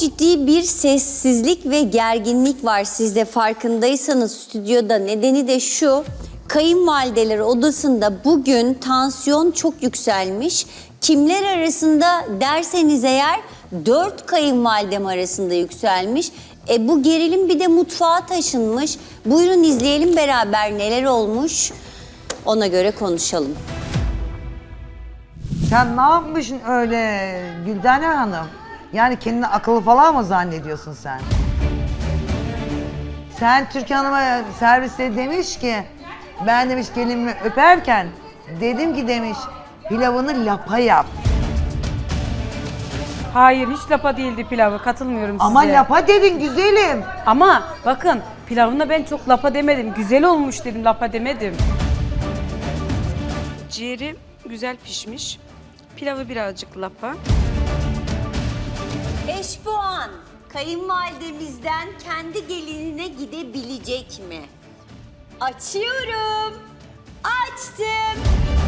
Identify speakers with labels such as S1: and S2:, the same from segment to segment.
S1: Çok ciddi bir sessizlik ve gerginlik var, siz de farkındaysanız stüdyoda. Nedeni de şu: kayınvalideler odasında bugün tansiyon çok yükselmiş. Kimler arasında derseniz eğer 4 kayınvalidem arasında yükselmiş. Bu gerilim bir de mutfağa taşınmış. Buyurun izleyelim beraber neler olmuş. Ona göre konuşalım.
S2: Sen ne yapmışsın öyle Güldane Hanım? Yani kendini akıllı falan mı zannediyorsun sen? Sen Türkan Hanım'a serviste demiş ki, ben demiş gelinimi öperken dedim ki demiş pilavını lapa yap.
S3: Hayır, hiç lapa değildi pilavı. Katılmıyorum size.
S2: Ama lapa dedin güzelim.
S3: Ama bakın, pilavına ben çok lapa demedim. Güzel olmuş dedim, lapa demedim. Ciğeri güzel pişmiş. Pilavı birazcık lapa.
S1: 5 puan kayınvalidemizden kendi gelinine gidebilecek mi? Açıyorum. Açtım.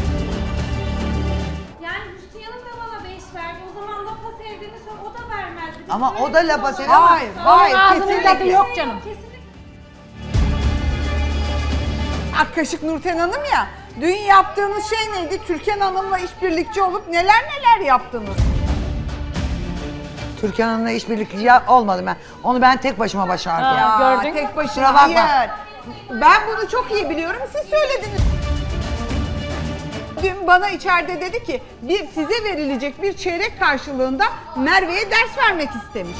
S4: Yani Hüsnü Hanım da bana 5 verdi. O zaman lapa sevdiğini söyle, o da vermezdi. Biz
S2: Ama
S4: böyle
S2: o da
S4: bir
S2: lapa
S4: lapa-
S2: seviyor ama hayır
S5: Ağzının tadı
S2: kesinlikle.
S5: yok canım.
S4: Kesinlikle.
S5: Ak kaşık Nurten Hanım ya. Dün yaptığınız şey neydi? Türkan Hanım'la işbirlikçi olup neler neler yaptınız.
S2: Türkan Hanım'la işbirlikçi olmadım ben. Onu ben tek başıma başardım.
S5: Gördün. Tek başına
S2: Kusura bakma.
S5: hayır. Ben bunu çok iyi biliyorum. Siz söylediniz. Dün bana içeride dedi ki size verilecek bir çeyrek karşılığında Merve'ye ders vermek istemiş.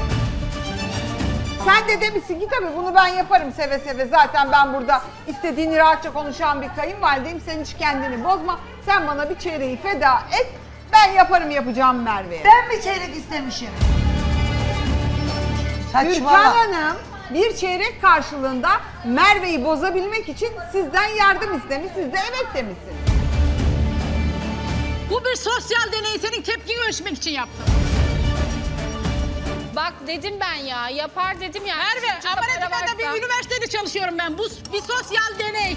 S5: Sen de demişsin ki tabii bunu ben yaparım seve seve. Zaten ben burada istediğini rahatça konuşan bir kayınvalideyim. Sen hiç kendini bozma. Sen bana bir çeyreği feda et. Ben yaparım yapacağım Merve'ye.
S2: Ben mi çeyrek istemişim?
S5: Türkan
S2: Saçmalama.
S5: Hanım bir çeyrek karşılığında Merve'yi bozabilmek için sizden yardım istemiş. Siz de evet demişsiniz.
S6: Bu bir sosyal deney, senin tepkini ölçmek için yaptım.
S4: Bak dedim ben ya, yapar dedim ya.
S6: Merve, Amerika'da bir üniversitede çalışıyorum ben. Bu bir sosyal deney.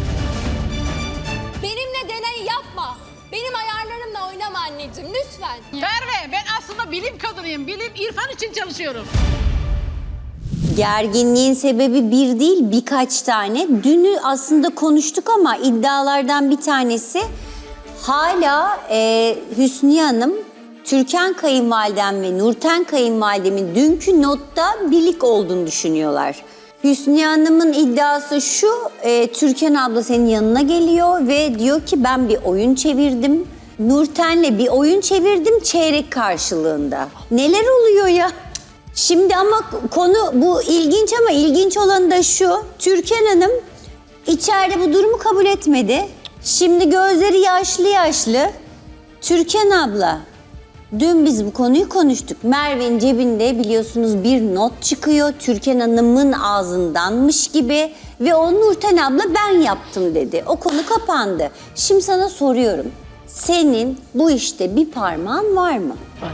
S7: Benimle deney yapma. Benim ayarlarımla oynama anneciğim lütfen.
S6: Merve, ben aslında bilim kadınıyım. Bilim, irfan için çalışıyorum.
S1: Gerginliğin sebebi bir değil, birkaç tane. Dünü aslında konuştuk ama iddialardan bir tanesi hala Hüsniye Hanım, Türkan kayınvalidem ve Nurten kayınvalidemin dünkü notta birlik olduğunu düşünüyorlar. Hüsniye Hanım'ın iddiası şu: Türkan abla senin yanına geliyor ve diyor ki ben bir oyun çevirdim. Nurten'le bir oyun çevirdim çeyrek karşılığında. Neler oluyor ya? Şimdi ama konu bu ilginç ama ilginç olan da şu: Türkan Hanım içeride bu durumu kabul etmedi. Şimdi gözleri yaşlı yaşlı. Türkan abla, dün biz bu konuyu konuştuk. Merve'nin cebinde biliyorsunuz bir not çıkıyor. Türkan Hanım'ın ağzındanmış gibi ve o Nurten abla ben yaptım dedi. O konu kapandı. Şimdi sana soruyorum. Senin bu işte bir parmağın var mı?
S8: Var.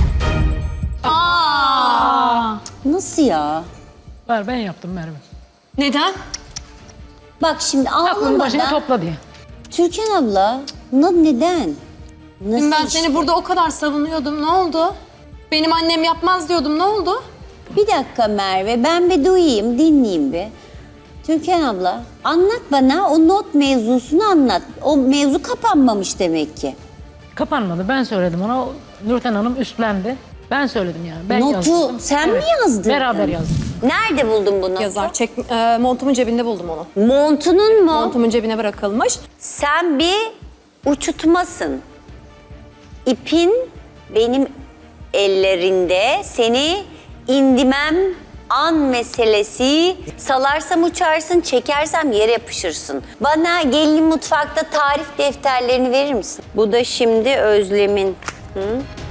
S1: Nasıl ya?
S8: Var, ben yaptım Merve.
S7: Neden?
S1: Bak şimdi
S8: Aklını başına
S1: ağlamadan.
S8: topla diye.
S1: Türkan abla, neden? Nasıl
S7: Ben
S1: işte?
S7: seni burada o kadar savunuyordum. Ne oldu? Benim annem yapmaz diyordum. Ne oldu?
S1: Bir dakika Merve, ben bir duyayım, dinleyeyim bir. Türkan abla, anlat bana o not mevzusunu anlat. O mevzu kapanmamış demek ki.
S8: Kapanmadı, ben söyledim ona. Nurten Hanım üstlendi. Ben söyledim yani. Ben
S1: Notu
S8: yazdım.
S1: sen mi yazdın?
S8: Beraber yazdık.
S1: Nerede buldun bu notu?
S7: Yazar. Montumun cebinde buldum onu.
S1: Montunun mu?
S7: Montumun cebine bırakılmış.
S1: Sen bir uçutmasın. İpin benim ellerinde, seni indimem an meselesi. Salarsam uçarsın, çekersem yere yapışırsın. Bana gelin mutfakta tarif defterlerini verir misin? Bu da şimdi Özlem'in. Hı?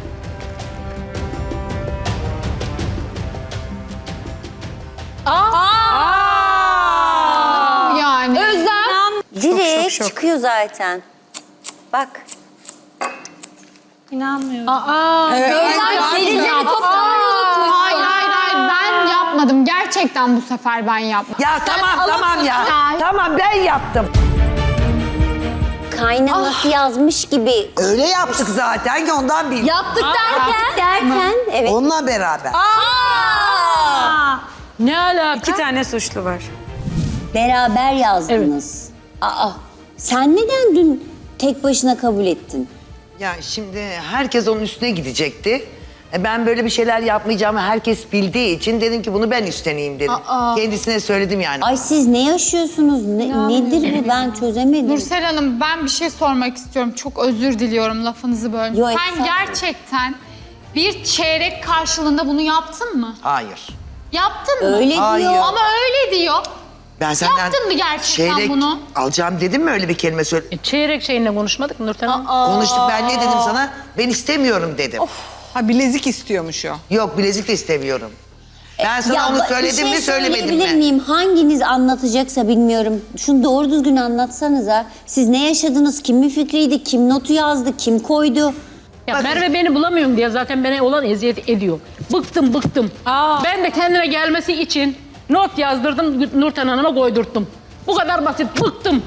S4: Yani.
S7: Özlem.
S1: Direkt çıkıyor zaten. Bak.
S7: Özlem gelinleri toplamayı unutmuşsun.
S4: Hayır, ben yapmadım. Gerçekten bu sefer ben yapmadım.
S2: Ya tamam ya. Tamam ben yaptım.
S1: kaynanası yazmış gibi.
S2: Öyle yaptık zaten ki ondan bildim.
S7: Yaptık derken.
S1: Derken evet.
S2: Onunla beraber.
S8: Ne alaka?
S3: 2 tane suçlu var.
S1: Beraber yazdınız. Aa, sen neden dün tek başına kabul ettin?
S2: Ya şimdi herkes onun üstüne gidecekti. Ben böyle bir şeyler yapmayacağımı herkes bildiği için dedim ki bunu ben üstleneyim dedim. Kendisine söyledim yani.
S1: Ay siz ne yaşıyorsunuz? Nedir bu? Ben çözemedim.
S9: Nursel Hanım, ben bir şey sormak istiyorum. Çok özür diliyorum, lafınızı böldüm.
S1: Yo,
S9: Sen
S1: estağfurullah.
S9: gerçekten bir çeyrek karşılığında bunu yaptın mı?
S2: Hayır.
S9: Yaptın mı?
S1: Öyle
S2: Hayır.
S1: diyor.
S9: Ama öyle diyor.
S2: Ben senden
S9: Yaptın mı gerçekten
S2: çeyrek
S9: bunu?
S2: alacağım dedim mi öyle bir kelime söyle?
S8: Çeyrek şeyinle konuşmadık mı Nurten Hanım?
S2: Konuştuk ben ne dedim sana? Ben istemiyorum dedim.
S5: Ha bilezik istiyormuş o.
S2: Yok bilezik de istemiyorum. Ben sana onu
S1: bir
S2: söyledim
S1: şey
S2: mi söylemedim
S1: söyleyebilir
S2: mi?
S1: miyim? Hanginiz anlatacaksa bilmiyorum. Şunu doğru düzgün anlatsanıza. Siz ne yaşadınız? Kimin fikriydi? Kim notu yazdı? Kim koydu?
S8: Ya Merve beni bulamıyorum diye zaten bana olan eziyet ediyor. Bıktım. Ben de kendine gelmesi için not yazdırdım, Nurten Hanım'a koydurttum. Bu kadar basit, bıktım.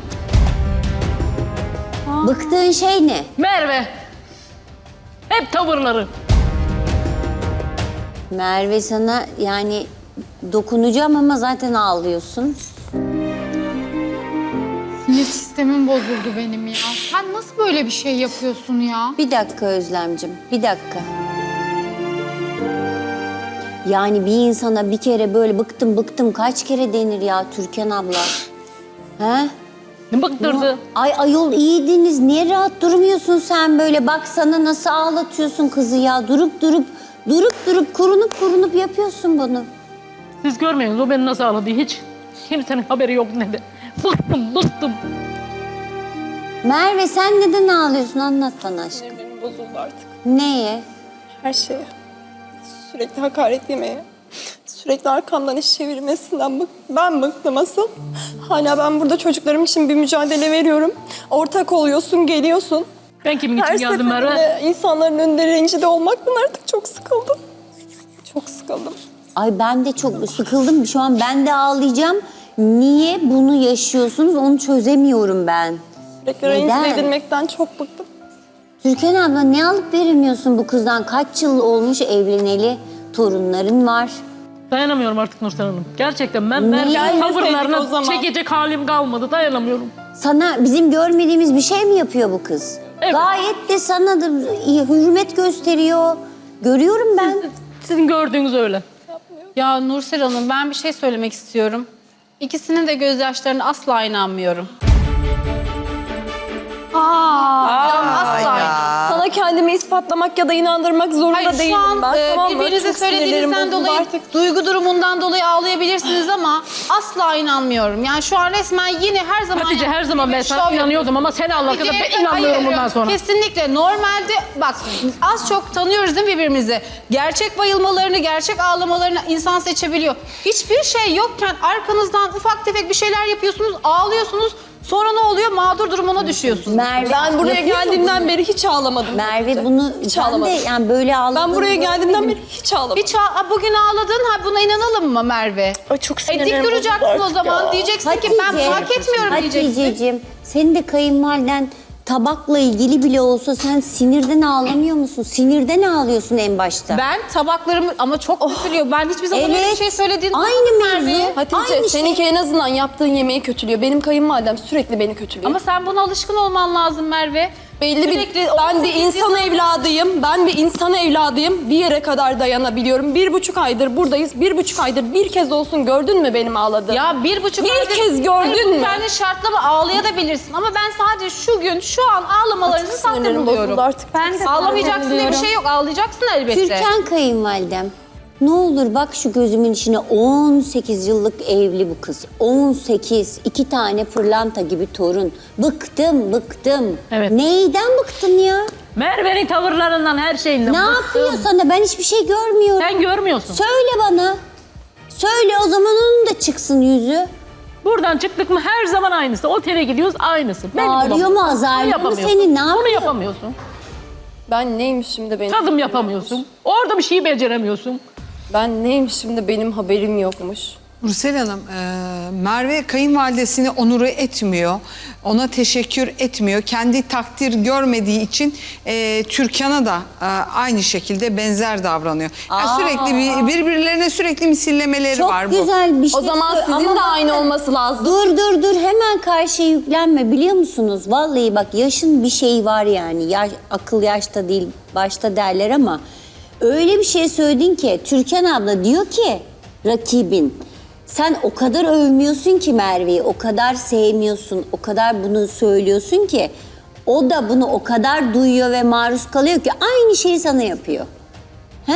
S1: Bıktığın şey ne?
S8: Merve. Hep tavırları.
S1: Merve sana yani dokunacağım ama zaten ağlıyorsun.
S9: Sinir sistemim bozuldu benim ya. Sen nasıl böyle bir şey yapıyorsun ya?
S1: Bir dakika Özlemcim, bir dakika. Yani bir insana bir kere böyle bıktım kaç kere denir ya Türkan abla? He?
S8: Bıktırdı.
S1: Ay ayol iyiydiniz. Niye rahat durmuyorsun sen böyle? Bak sana nasıl ağlatıyorsun kızı ya. Durup kurunup yapıyorsun bunu.
S8: Siz görmüyorsunuz o beni nasıl ağladı hiç. Kimsenin haberi yok ne de. Bıktım.
S1: Merve sen neden ağlıyorsun? Anlat bana aşkım.
S10: Benim bozuldu artık.
S1: Neye?
S10: Her şeye. Sürekli hakaret yemeye. Sürekli arkamdan iş çevirmesinden ben bıktım asıl. Hala ben burada çocuklarım için bir mücadele veriyorum. Ortak oluyorsun, geliyorsun.
S8: Ben kimin için
S10: Her
S8: geldim Merve?
S10: seferinde insanların önünde rencide olmaktan artık çok sıkıldım. Çok sıkıldım.
S1: Ay ben de çok sıkıldım. Şu an ben de ağlayacağım. Niye bunu yaşıyorsunuz onu çözemiyorum ben.
S10: Sürekli
S1: Neden?
S10: rencide edilmekten çok bıktım.
S1: Türkan abla ne alıp veremiyorsun bu kızdan? Kaç yıl olmuş evleneli? Torunların var.
S8: Dayanamıyorum artık Nurten Hanım. Gerçekten ben
S1: Niye?
S10: Gelmeseydik o
S8: tavırlarına
S10: zaman.
S8: çekecek halim kalmadı. Dayanamıyorum.
S1: Sana bizim görmediğimiz bir şey mi yapıyor bu kız?
S8: Evet.
S1: Gayet de sana da hürmet gösteriyor. Görüyorum ben.
S8: Sizin gördüğünüz öyle.
S11: Ya Nursel Hanım ben bir şey söylemek istiyorum. İkisinin de gözyaşlarına asla inanmıyorum. Asla.
S10: Sana kendimi ispatlamak ya da inandırmak zorunda
S11: Hayır şu
S10: değilim
S11: an
S10: ben. Tamam mı?
S11: birbirinize
S10: Çok sinirlerim
S11: söylediğinizden
S10: bozuldu
S11: dolayı,
S10: artık.
S11: duygu durumundan dolayı ağlayabilirsiniz ama asla inanmıyorum. Yani şu an resmen yine her zaman...
S8: Hatice her zaman ben
S11: bir
S8: sana
S11: şov
S8: inanıyordum ama sen Allah kadar
S11: Hayır,
S8: ben inanmıyorum
S11: hayır,
S8: bundan sonra.
S11: Kesinlikle. Normalde bak az çok tanıyoruz değil mi birbirimizi? Gerçek bayılmalarını, gerçek ağlamalarını insan seçebiliyor. Hiçbir şey yokken arkanızdan ufak tefek bir şeyler yapıyorsunuz, ağlıyorsunuz. Sonra ne oluyor? Mağdur durumuna düşüyorsunuz.
S1: Merve,
S10: Ben buraya
S1: yapıyor mu
S10: geldiğimden
S1: bunu?
S10: beri hiç ağlamadım.
S1: Merve bunu
S10: Hiç
S1: ben de
S10: ağlamadım.
S1: yani böyle ağladığını
S10: Ben buraya geldiğimden
S1: görmedim.
S10: beri hiç ağlamadım.
S11: Bugün ağladın, buna inanalım mı Merve?
S10: Ay çok
S11: Dik
S10: sinirlerim
S11: duracaksın
S10: bozuldu
S11: o
S10: artık
S11: zaman.
S10: ya.
S11: Diyeceksin ki ben hak etmiyorum diyeceksin.
S1: Haticeciğim senin de kayınvaliden tabakla ilgili bile olsa sen sinirden ağlamıyor musun? Sinirden ağlıyorsun en başta.
S11: Ben tabaklarımı ama çok kötülüyor. Ben hiçbir zaman öyle bir
S1: Evet.
S11: şey söylediğini
S1: Aynı
S11: duymadım
S1: mevzu.
S11: Merve'ye.
S10: Hatice
S1: Aynı
S10: seninki en azından yaptığın yemeği kötülüyor. Benim kayınvalidem sürekli beni kötülüyor.
S11: Ama sen buna alışkın olman lazım Merve.
S10: belli
S11: sürekli
S10: bir ben bir
S11: 18
S10: insan
S11: yıldır-
S10: evladıyım. Ben bir insan evladıyım. Bir yere kadar dayanabiliyorum. 1,5 aydır buradayız. 1,5 aydır bir kez olsun gördün mü benim ağladığımı?
S11: Ya 1,5
S10: Bir
S11: aydır-
S10: kez gördün
S11: Hayır,
S10: mü?
S11: Yani şartlama ağlayabilirsin ama ben sadece şu gün şu an ağlamalarınızı sahte
S10: sinirlerim
S11: buluyorum.
S10: bozuldu artık.
S11: Ben
S10: Çok
S11: ağlamayacaksın diye bir
S10: buluyorum.
S11: şey yok. Ağlayacaksın elbette.
S1: Türkan kayınvalidem ne olur bak şu gözümün içine 18 yıllık evli bu kız. 18, 2 tane pırlanta gibi torun. Bıktım.
S8: Evet.
S1: Neyden bıktın ya?
S8: Merve'nin tavırlarından her şeyinden
S1: Ne
S8: bıktım.
S1: yapıyor sana? Ben hiçbir şey görmüyorum.
S8: Sen görmüyorsun.
S1: Söyle bana. Söyle o zaman onun da çıksın yüzü.
S8: Buradan çıktık mı her zaman aynısı. Otele gidiyoruz aynısı. Beni
S1: Bağırıyor
S8: bulamıyorsun.
S1: mu, azarlıyor
S8: Onu
S1: mu
S8: yapamıyorsun.
S1: seni? Ne
S8: Onu
S1: yapıyor?
S8: yapamıyorsun.
S10: Ben neymişim de benim
S8: Tadım yapamıyorsun. Orada bir şeyi beceremiyorsun.
S10: Ben neymişim de benim haberim yokmuş.
S5: Nursel Hanım, Merve kayınvalidesini onuru etmiyor. Ona teşekkür etmiyor. Kendi takdir görmediği için Türkan'a da aynı şekilde benzer davranıyor. Yani sürekli birbirlerine sürekli misillemeleri
S1: Çok
S5: var bu.
S1: güzel bir şey.
S10: O zaman
S1: söyle-
S10: sizin
S1: Ama
S10: de aynı
S1: bakın,
S10: olması lazım.
S1: Dur hemen karşıya yüklenme biliyor musunuz? Vallahi bak yaşın bir şeyi var yani. Akıl yaşta değil başta derler ama öyle bir şey söyledin ki Türkan abla diyor ki rakibin sen o kadar övmüyorsun ki Merve'yi, o kadar sevmiyorsun, o kadar bunu söylüyorsun ki o da bunu o kadar duyuyor ve maruz kalıyor ki aynı şeyi sana yapıyor. He?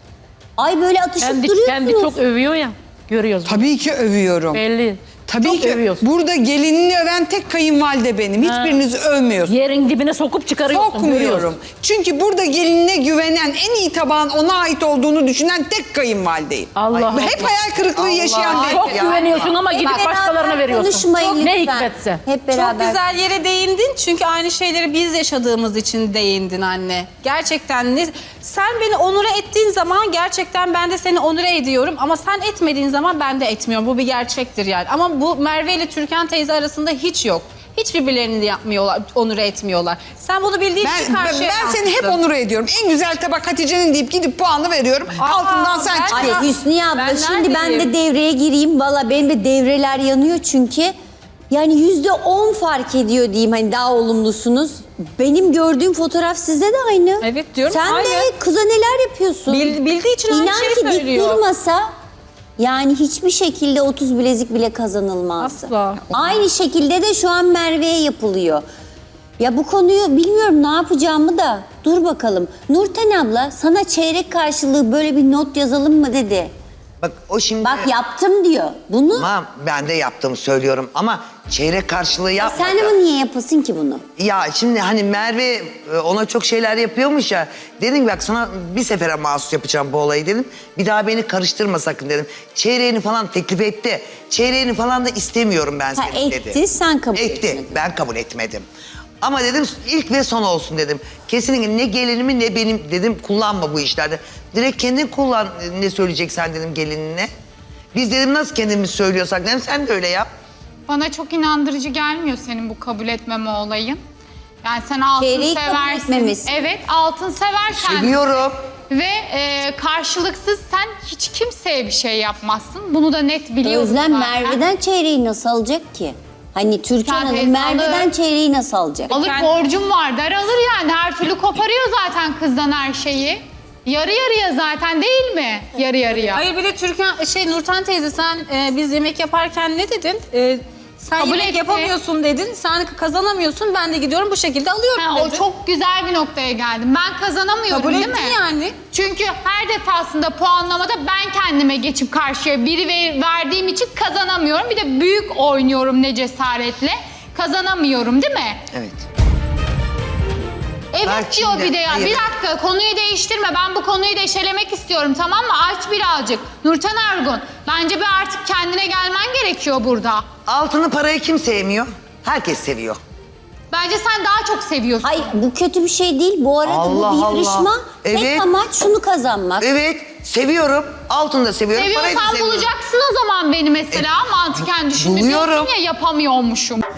S1: Ay böyle atışıp duruyorsunuz.
S8: Kendi çok övüyor ya. Görüyoruz.
S5: Tabii ki övüyorum.
S8: Belli.
S5: Tabii
S8: Çok
S5: ki
S8: övüyorsun.
S5: burada gelinini öven tek kayınvalide benim. Hiçbirinizi övmüyorsun.
S8: Yerin dibine sokup çıkarıyorsun.
S5: Sokmuyorum.
S8: görüyoruz.
S5: Çünkü burada gelinine güvenen, en iyi tabağın ona ait olduğunu düşünen tek kayınvalideyim.
S8: Allah
S5: Hep hayal kırıklığı yaşayan
S2: Allah.
S5: benim.
S8: Çok güveniyorsun ama gidip
S1: Beraber
S8: başkalarına veriyorsun.
S1: konuşmayın
S8: Ne
S1: lütfen.
S8: hikmetse.
S1: Hep
S11: Çok
S1: beraber.
S11: güzel yere değindin çünkü aynı şeyleri biz yaşadığımız için değindin anne. Gerçekten sen beni onure ettiğin zaman gerçekten ben de seni onure ediyorum ama sen etmediğin zaman ben de etmiyorum. Bu bir gerçektir yani. Ama bu Merve ile Türkan teyze arasında hiç yok. Hiç birbirlerini de yapmıyorlar, onure etmiyorlar. Sen bunu bildiğin için karşıya
S5: Ben seni hep
S11: yansıttın.
S5: onur ediyorum. En güzel tabak Hatice'nin deyip gidip puanı veriyorum. Altından sen
S11: ben-
S5: çıkıyorsun.
S1: Hüsniye abla
S11: Ben
S1: şimdi ben de
S11: neredeyim?
S1: devreye gireyim. Valla benim de devreler yanıyor çünkü. Yani %10 fark ediyor diyeyim hani daha olumlusunuz. Benim gördüğüm fotoğraf sizde de aynı.
S11: Evet diyorum,
S1: Sen
S11: aynı.
S1: de kıza neler yapıyorsun?
S11: Bildiği için aynı
S1: İnan
S11: şeyi
S1: ki dik
S11: söylüyor.
S1: durmasa yani hiçbir şekilde 30 bilezik bile kazanılmazdı.
S11: Asla.
S1: Aynı şekilde de şu an Merve'ye yapılıyor. Ya bu konuyu bilmiyorum ne yapacağımı da dur bakalım. Nurten abla sana çeyrek karşılığı böyle bir not yazalım mı dedi.
S2: Bak o şimdi...
S1: Bak yaptım diyor. Bunu
S2: Tamam ben de yaptığımı söylüyorum ama çeyrek karşılığı yapmadı.
S1: sen ama niye yapasın ki bunu?
S2: Ya şimdi hani Merve ona çok şeyler yapıyormuş ya. Dedim bak sana bir sefere mahsus yapacağım bu olayı dedim. Bir daha beni karıştırma sakın dedim. Çeyreğini falan teklif etti. Çeyreğini falan da istemiyorum ben
S1: Ha,
S2: senin dedi.
S1: etti, sen kabul
S2: Etti.
S1: etmedin.
S2: Ben kabul etmedim. Ama dedim ilk ve son olsun dedim. Kesinlikle ne gelinimi ne benim dedim kullanma bu işlerde. Direkt kendin kullan ne söyleyeceksen dedim gelinine. Biz dedim nasıl kendimiz söylüyorsak dedim sen de öyle yap.
S9: Bana çok inandırıcı gelmiyor senin bu kabul etmeme olayın. Yani sen altın
S1: Çeyreği kabul
S9: seversin.
S1: etmemesi.
S9: Evet, altın seversen.
S2: Seviyorum.
S9: Ve karşılıksız sen hiç kimseye bir şey yapmazsın. Bunu da net biliyorum
S1: Özlem
S9: zaten.
S1: Merve'den çeyreği nasıl alacak ki? Hani Türkan
S9: Sen
S1: Hanım
S9: teyze
S1: Merve'den
S9: alır.
S1: çeyreği nasıl alacak?
S9: Alıp borcum var der alır yani. Her türlü koparıyor zaten kızdan her şeyi. Yarı yarıya zaten değil mi? Yarı yarıya.
S11: Hayır bir de Nurten teyze sen biz yemek yaparken ne dedin? Sen
S9: Kabul
S11: yemek
S9: etti.
S11: yapamıyorsun dedin. Sen kazanamıyorsun. Ben de gidiyorum bu şekilde alıyorum
S9: Ha,
S11: dedin.
S9: o çok güzel bir noktaya geldim. Ben kazanamıyorum
S11: Kabul
S9: değil
S11: ettin
S9: mi?
S11: yani.
S9: Çünkü her defasında puanlamada ben kendime geçip karşıya biri verdiğim için kazanamıyorum. Bir de büyük oynuyorum ne cesaretle. Kazanamıyorum değil mi?
S2: Evet.
S9: Evet
S2: Bak
S9: diyor
S2: şimdi,
S9: bir de ya.
S2: hayır.
S9: Bir dakika konuyu değiştirme. Ben bu konuyu deşelemek istiyorum tamam mı? Aç birazcık. Nurten Ergun bence bir artık kendine gelmen gerekiyor burada.
S2: Altını parayı kim sevmiyor? Herkes seviyor.
S9: Bence sen daha çok seviyorsun.
S1: Ay bu kötü bir şey değil. Bu arada
S2: Allah
S1: bu bir
S2: Allah.
S1: yarışma. Tek
S2: Evet.
S1: amaç şunu kazanmak.
S2: Evet seviyorum. Altını da seviyorum. Parayı da
S9: Seviyorsan
S2: seviyorum.
S9: bulacaksın o zaman beni mesela. Mantıken düşünme
S2: buluyorum.
S9: diyorsun ya yapamıyormuşum.